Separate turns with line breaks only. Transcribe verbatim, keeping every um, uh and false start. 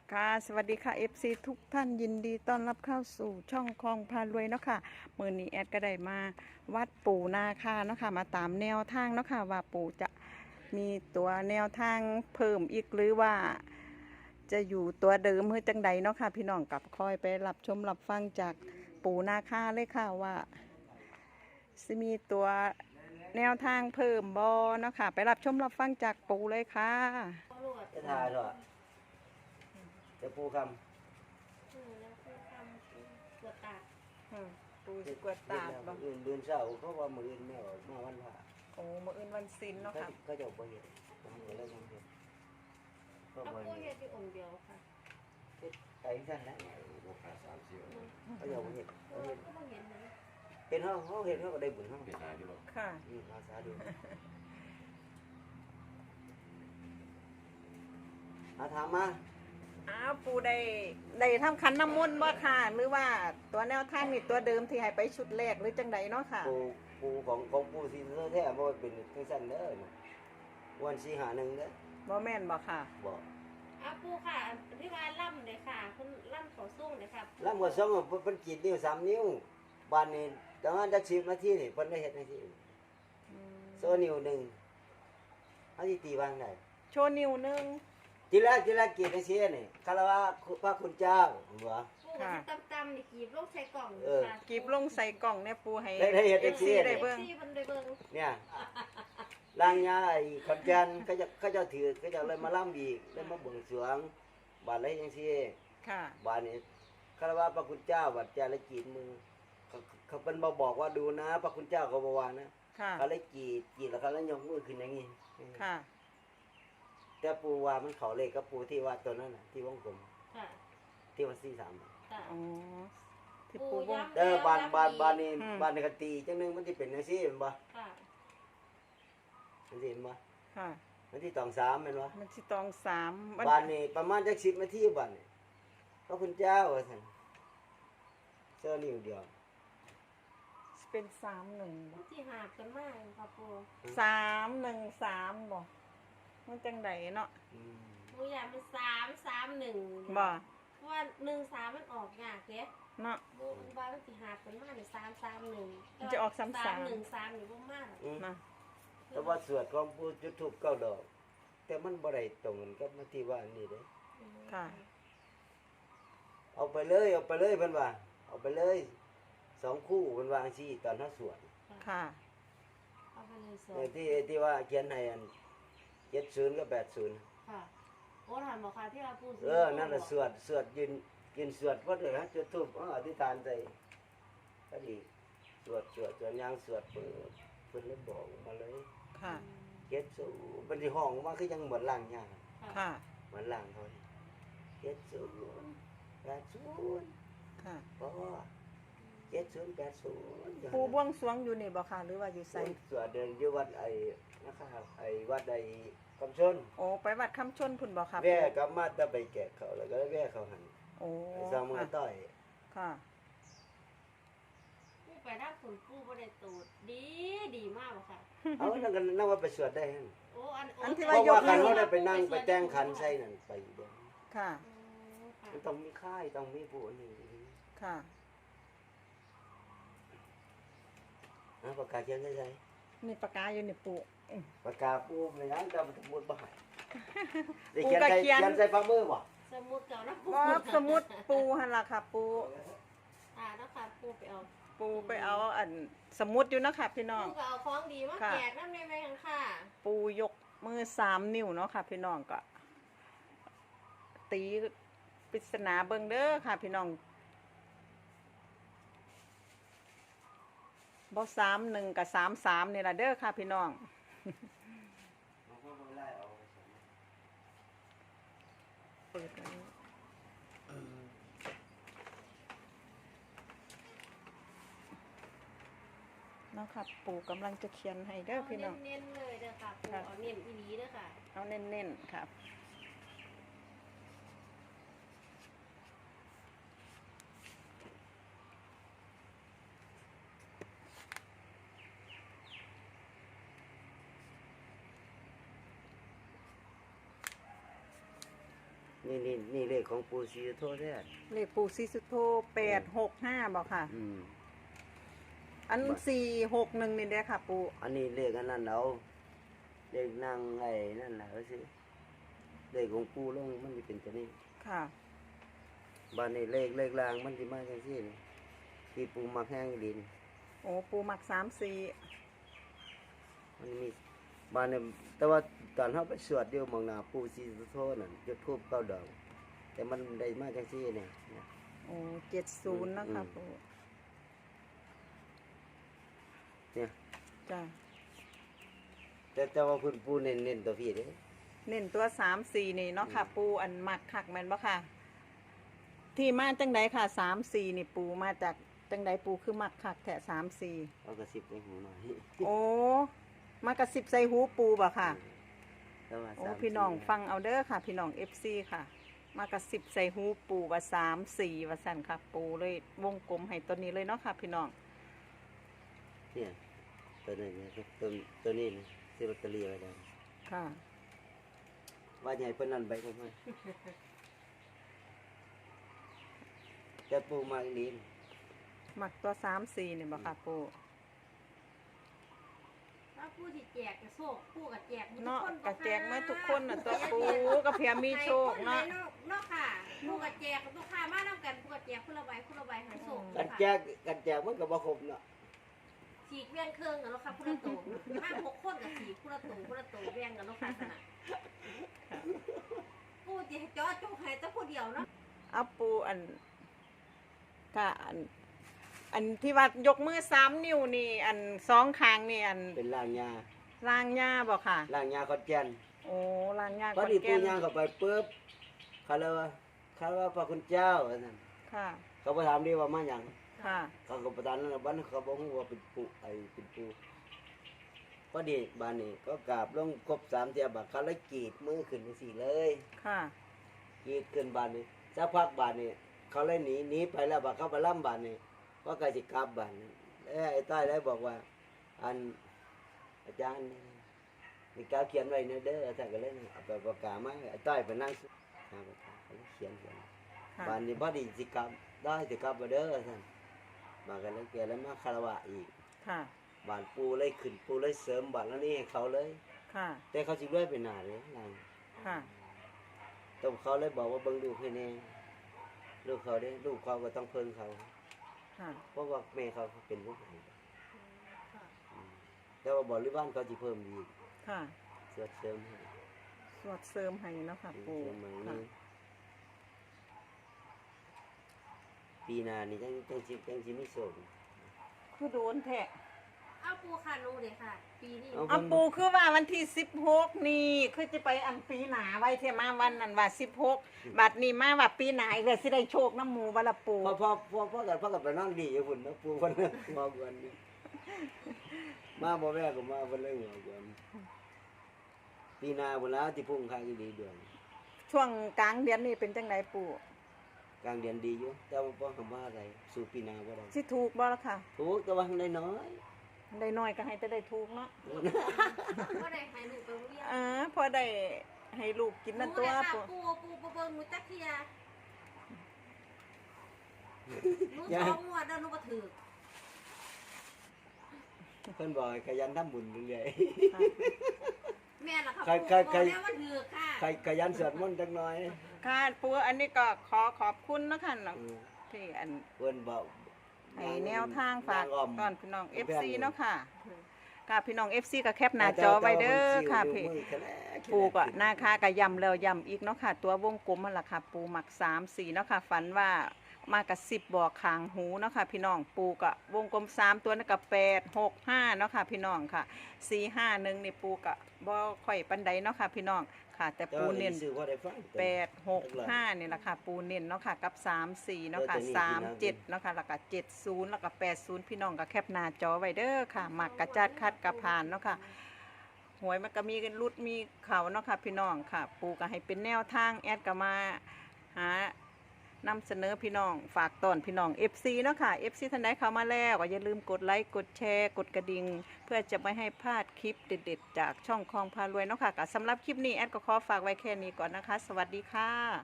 ค่ะสวัสดีค่ะ เอฟ ซี ทุกท่านยินดีต้อนรับเข้าสู่ช่องคลองพารวยเนาะค่ะมือนี้แอดก็ได้มาวัดปู่นาคาเนาะค่ะมาตามแนวทางเนาะค่ะว่าปู่จะมีตัวแนวทางเพิ่มอีกหรือว่า จะอยู่ตัวเดิมเมื่อจังใดเนาะค่ะพี่น้องกับคอยไปรับชมรับฟังจากปู่นาคาเลยค่ะว่าจะมีตัวแนวทางเพิ่มบอเนาะค่ะไปรับชมรับฟังจากปู่เลยค่ะ
จะถ่ายหรอจะปูคำ
เออแล้วคือทำปวดตาก
ปูสกวดตาบบ่
อื่นเดือนเสาร์เขาว่ามืออื่นไม่ออกมาวันผ่า
โอ้มื้ออื่นวันศิลเนาะ
เขา
ค่ะ
เขาจะบ่เห็นทำอะไรทำเห็นก็
แล้ว
บ่
ปู
เห็
เห็
น
ดอยู่องค์เดียวค่ะ
ไก่สั้นนะเขาจะบ่เห็น
เออก็มาเห็นนะ
เห็นเขาเขาเห็นเขาก็ได้บุญเขา
ค่ะ
อืมอาสาดูอาถามมา
อ้าวปูได้ได้ทำขันน้ำมนต์บ่ค่ะ หรือว่าตัวแนวทางนี่ตัวเดิมที่ให้ไปชุดแรกหรือจังใดเนาะค่ะ
ปูปูของของปูซีเซอร์แท้บ่เป็นทั้งสั้นเด้อวันสี่หาหนึ่งเด้อ
บ่แม่นบ่ค่ะ
บอก
อ้าวปูค่ะที่ว่าล่ำเลยค่ะคุณล่ำขอสู้เลยค่ะ
แล้วหมดสองเพิ่นกรีดนิ้วสามนิ้วบ้านนี้ประมาณจักสิบนาทีนี่เพิ่นได้เฮ็ดจังซี่โซนิ้วหนึ่งเขาสิตีวางได้
โชว์นิ้วหนึง
ทีแรกทีแรกกรีดจังซี่นี่คารวะพระคุณเจ้าบ่
ปูที่ตำๆนี่กีบลูกใส่กล่อง
เออ
ค่ะ
กีบลงใส่กล่องเนี่ยปูให้
ได้ได้เฮ็ดจัง
อฟ
ซี่
ซี
นี่
ได้เบิ่ง
ที่มันได้เบิ่ง
เนี่ยลางยาไอ้ขอนแก่นเขาจะเขาจะถือเขาจะเลยมาล่ำอีกเลยมาบวงสรวงบาดเลยจังซี่
ค่ะ
บาดนี้คารวะพระคุณเจ้าบัดแจละกรีดมือเขาเขาเป็นมาบอกว่าดูนะ พระคุณเจ้าเขาบอกว่านะ
ค่ะ
เขาเลยกรีดกรีดแล้วเขาเลยยกมือขึ้นอย่างนี้
ค่ะ
แต่ปูว่ามันเขาเลขกับปูที่ว่าตัวนั้นน่ะที่วงกลม
ค่ะ
ที่ว่าสี่สาม
ค่ะ
อ๋อที่ปูวง
เออบานบานบานนี่
อืม
บานในกตีจังหนึงมันที่เป็นจังซี่เห็นบ่
ค่ะ
มันสิเห็นบ่
ค่ะ
มันที่ตองสามเห็นบ่
มันสิตองสามมัน
บานนี่ประมาณจักสิบนาทีบานนี่พระคุณเจ้าว่าซั่นเสื้อนิ้วเดียว
เป็นสามหนึ่งบ่
ที่หาบกันมากค่ะปู
สามหนึ่งสามบ่มันจังใดเนาะ
อืม
ปูอยากเป็นสามสามหนึ่ง
บ่
เพราะว่าหนึ่งสามมันออกยากเด้
เนาะ
ปูว่ามันสิหาบกันมากเนี่ยสามสามหนึ่ง
มันจะออกสามสาม
สามหนึ่งสามหรือว่ามาก
อืม
นะ
แต่ว่าสวดของปูจุดธูปเก้าดอก แต่มันบ่ได้ตรงกันกับมาที่ว่านี่เด้
ค่ะ
เอาไปเลยเอาไปเลยเพิ่นว่าเอาไปเลยสองคู่เพิ่นว่าจังซี่ตอนเฮาสวด
ค่ะ
เอาไปเลยสอ
เออที่ที่ว่าเขียนให้อันเจ็ดศูนย์กับแปดศูนย์
ค่ะโอ้ถามบอกค่ะที่เราพูด
เออนั่นแหละสวดสวดยืนยืนสวดเพราะเดี๋ยวฮะจุดธูปอ๋ออธิษฐานใจก็ดีสวดสวดสวดยางสวดเปิดเพิ่นเลยบอกมาเลย
ค่ะ
เจ็ดศูนย์มันสิห้องมาคือยังเหมือนล่างยาง
ค่ะ
เหมือนล่างเขานี่เจ็ดศูนย์แปดศูนย์
ค่ะ
เพราะว่าเจ็ดศูนย์แปดศูนย์
ปูบวงสรวงอยู่นี่บ่ค่ะ หรือว่าอยู่ไส
สวดเดินอยู่วัดไอ้นะครับไอ้วัดไอ้คำชน
โอ้ไปวัดคำชนพุ่นบ่ค่ะ
แว่กลับมาแตะไปแกะเขาแล้วก็แว่เขาหัน
โอ้
ไปสร้างมือ
ค่ะ
ต่อย
ค่ะ
ผู้ไปรับผลผู้บ่ได้ตูดดีดีมากบ่ค่ะ
เอานั่นก็นั่งว่าไปสวดได้หั่น
โอ้อัน
อันที่
เพ
ว่า
ราะ
ยก
ว่าคัน
มือ
เขาได้ไปนั่งไปแต่งขันใส่นั่นไปเด้อ
ค่ะ
มันต้องมีค่ายต้องมีผู้นี่
ค่ะ
นะปากกาเขียนใส่ใส่
มีปากกาอยู่นี่ปูอื้อ
ปากกาปูในนั้นจะมันมุดบ่ให้ได้
ปู
เขียน
ก็
ใส่
เขียน
เขียนใส่ฝ่ามือบ่
สมุดเก่านะ
บ่สมุดปูหั่นล่ะค่ะ ปู
อ่าแล้วค่ะปูไปเอา
ปูไปเอาอันสมุดอยู่เนาะค่ะพี่น้อง
ปูก็เอาของดีมา
ค่ะ
แจกน้ำในแม่งค่ะ
ปูยกมือสามนิ้วเนาะค่ะ พี่น้องก็ตีปริศนาเบิ่งเด้อค่ะ พี่น้องบ่สามหนึ่งกับสามสามนี่ล่ะเด้อค่ะ พี่น้องเปิดไว้เนาะค่ะ ปูกำลังจะเขียนให้เด้อ
เอา
พี่น้อง
เน้นๆเลยเด้อค่ะปู
ค่ะ
เอาเน้นอีหลีเด้อค่ะ
เอาเน้นๆครับ
นี่นี่นี่เลขของปูซีโทษแท้
เลขปูซีสุโธแปดหกห้าบอกค่ะ
อืม
อันสี่หกหนึ่งนี่เด้อค่ะ ปู
อันนี้เลขอันนั้นเอาเลขนั่งไอ้นั่นแหละก็สิเลขของปูลงมันจะเป็นตัวนี้
ค่ะ
บ้านนี้เลขเลขรางมันจะมาจังซี่นี่ที่ปูมักแห้งดิน
โอ้ปูหมักสามสี่
มันมีบ้านเนี่ยแต่ว่าตอนเขาไปสวดเดียวมองหน้าปูซีสุโธนั่นจุดทูบเก้าดอกแต่มันได้มาจังซี่เนี่ยเนี่ย
โอ้เจ็ดศูนย์นะคะ
อืม
ปู
เนี่ย
จ้ะ
แต่แต่ว่าคุณปูเน้นเน้นตัวพี่เด้
เน้นตัวสามสี่นี่เนาะค่ะ ปูอันหมักคักแม่นบ่ค่ะ ที่มาจังใดค่ะสามสี่นี่ปูมาจากจังใดปูคือหมักคักแถะสามสี่
เอากระสิบในหูหน่อย
โอ้มากระสิบใส่หูปูบ่ค่ะ
แต่ว่า
โอ้
สาม
พี่น้อง
สี่
ฟังเอาเด้อค่ะ พี่น้องเอฟซีค่ะ มากระสิบใส่หูปูว่าสามสี่ว่าสั่นค่ะ ปูเลยวงกลมให้ตัวนี้เลยเนาะค่ะ พี่น้อง
เนี่ยตัวนี้เนี่ยตัวตัวนี้นะซื้อลอตเตอรี่ไว้แล้ว
ค่ะ
ว่าใหญ่เพิ่นนั่นไปก็ไม่จะปูมาอีหลีน
หมักตัวสามสี่นี่บ่ค่ะปู
ถ้าผู้ที่แจกกับโชคผู้กับแจกหมดทุ
เนาะ
คน
กระแจกมาทุกคนน่ะตัวปูก็เพียมีโชคเนาะ
เนาะค่ะผู้กับแจกกับลูกค้ามานํกันผู้กับแจกผู้ละใบผู้ละใบให้โชค
กันแจกกันแจกมันก็บ่ครบเนาะ
ฉีกแบ่งเครื่องกันเนาะค่ะผู้ละตัวห้าหกคนกับฉีกผู้ละตัวผู้ละตัวแบ่งกันเนาะค่ะขนาดผู้ที่จ่อโจกให้แต่ผู้เดียวเนาะ
เอาปูอันค่ะอัน อันที่ว่ายกมือสามนิ้วนี่ อันสองข้างนี่อัน
เป็นล่างยา
ล่างหญ้าบ่ค่ะ
ล่างยาขอนแก่น
โอ้ล่างหญ้า
พอ
ขอน
ดีปู
แก่น
ย่างเข้าไปปุ๊บเขาเลยว่าเขาว่าพระคุณเจ้าว่าซั่น
ค่ะ
เขาไปถามดีว่ามาหยัง
ค่ะ
เขาก็ประทานนั้นน่ะบัดนั้นเขาบอกว่าเป็นปูไอ้เป็นปูพอดีบ้านนี้ก็กราบลงครบสามเทียบาเขาเลยกรีดมือขึ้นจังซี่เลย
ค่ะ
กรีดขึ้นบ้านนี้สักพักบ้านนี้เขาเลยหนีหนีไปแล้วบัดเขาไปล่ำบ้านนี้ว่าใกล้สิกลับบ้านนี้เอ้ยไอ้ต้อยเลยบอกว่า อันอาจารย์นี่กาเขียนไว้เนเด้อท่านก็เลยเอาไปประกาศมาไอ้ต้อยไปนั่งหาประกาศเขาเลยเขียนเขียน
ค่ะ
บ้านนี้พอดีสิกลับได้สิกลับมาเด้อท่านมากันแล้วแกแล้วมาคารวะอีก
ค่ะ
บ้านปูเลยขึ้นปูเลยเสริมบ้านแล้วนี่ให้เขาเลย
ค่ะ
แต่เขาสิด้วยไปหนาเลยนาง
ค่ะ
แต้องเขาเลยบอกว่าเบิ่งลูกให้แน่ลูกเขาเด้ลูกเขาก็ต้องเพิ่งเขา
ค่ะ
เพราะว่าแม่เขาเป็นผู้ให้อืมแต่ว่าบริวารเขาสิเพิ่มอีก
ค่ะ
เสริมเสริมให้
สวดเสริมให้เนาะค่ะ
เส
ปู
ริมมา
ค่ะ
นี้ปีหน้านี่จังจังสิจังสิมีโชค
คือโดนแทะ
เอาปูคานูเลยค่ะ ปีนี้
เอา
เอาปูคือว่าวันที่สิบหกนี่ คือจะไปอันปีหนาไว้เทมาวันนั้นว่าสิบหกบัดนี้มาว่าปีหนาอีกเลยสิได้โชคน้ำหมูวันละปู
พอพอพอพอกันพอกันไปนั่งดีอยู่พุ่นนะปูเพิ่นน่ะมากวนนี่มาบ่แม่ก็มาเพิ่นเลยหัวกวนปีหน้าพุ่นแล้วที่พุ่งข้างอีหลีเดือน
ช่วงกลางเดือนนี่เป็นจังไดปู
กลางเดือนดีอยู่แต่ว่าบ่คำว่าอะไรสู่ปีหน้าบ่ได้
สิถูกบ่ล่ะค่ะ
ถูกแต่ว่าได้น้อย
ได้น้อยก็ให้แต่ได้ถูกเนาะ
ก็ได้ให้หนูไปโรงเรียน
อ่าพอได้ให้ลูกกินนั่นตัว
ปู
ปู
ปูปูเบิ่งหนูจักเทียหนูสองงวดแล้วหนูบ่ถือ
เพิ่นบอกให้ขยันทำบุญเรื่อย
แม่ล่ะค่ะ
ใคร
ปู
ใคร
บ
ใคร
อกแล้วว่าถือค่ะ
ๆใครขยันสวดมนต์จักหน่อย
ค่ะปูอันนี้ก็ขอขอบคุณเนาะค่ะเนาะ
อืม
ที่อัน
เพิ่นบอก
ให้แนวทางฝาก
นอ้อม
ตอนพี่น้อง
แพ
เอฟ ซี
ง
เนาะค่ะค่ะพี่น้อง เอฟ ซี ก็แคปหน้าจอไว้เด้อค่ะพี่ปูก็หน้าค่าก็ย้ำแล้วย้ำอีกเนาะค่ะ ตัววงกลมมันล่ะค่ะ ปูหมักสามสี่เนาะค่ะฝันว่ามากระสิบบอกขางหูเนาะค่ะพี่น้องปูก็วงกลมสามตัวนั่นก็แปดหกห้าเนาะค่ะพี่น้องค่ะสี่ห้าหนึ่งนี่ปูก็บ่ค่อยปันใดเนาะค่ะพี่น้องค่ะ แต่ปูเน้น
ซื้อบ่ได้ฟัง
แปดหกห้านี่แหละค่ะ ปูเน้นเนาะค่ะ กับสามสี่เนาะค่ะ
เออตัวนี้
สามเจ็ด
พี่น้อง
เนาะค่ะแล้วก็เจ็ดศูนย์แล้วก็แปดศูนย์พี่น้องก็แคปหน้าจอไว้เด้อค่ะหมักกระจัดคัดกระพานเนาะค่ะหวยมันก็มีกันรุดมีเขาเนาะค่ะพี่น้องค่ะ ปูก็ให้เป็นแนวทางแอดก็มาหานำเสนอพี่น้องฝากตอนพี่น้อง เอฟ ซี เนาะค่ะ เอฟ ซี ท่านใดเข้ามาแล้วก็อย่าลืมกดไลค์กดแชร์กดกระดิ่งเพื่อจะไม่ให้พลาดคลิปเด็ดๆจากช่องคลองพารวยเนาะค่ะก็สำหรับคลิปนี้แอดก็ขอฝากไว้แค่นี้ก่อนนะคะ สวัสดีค่ะ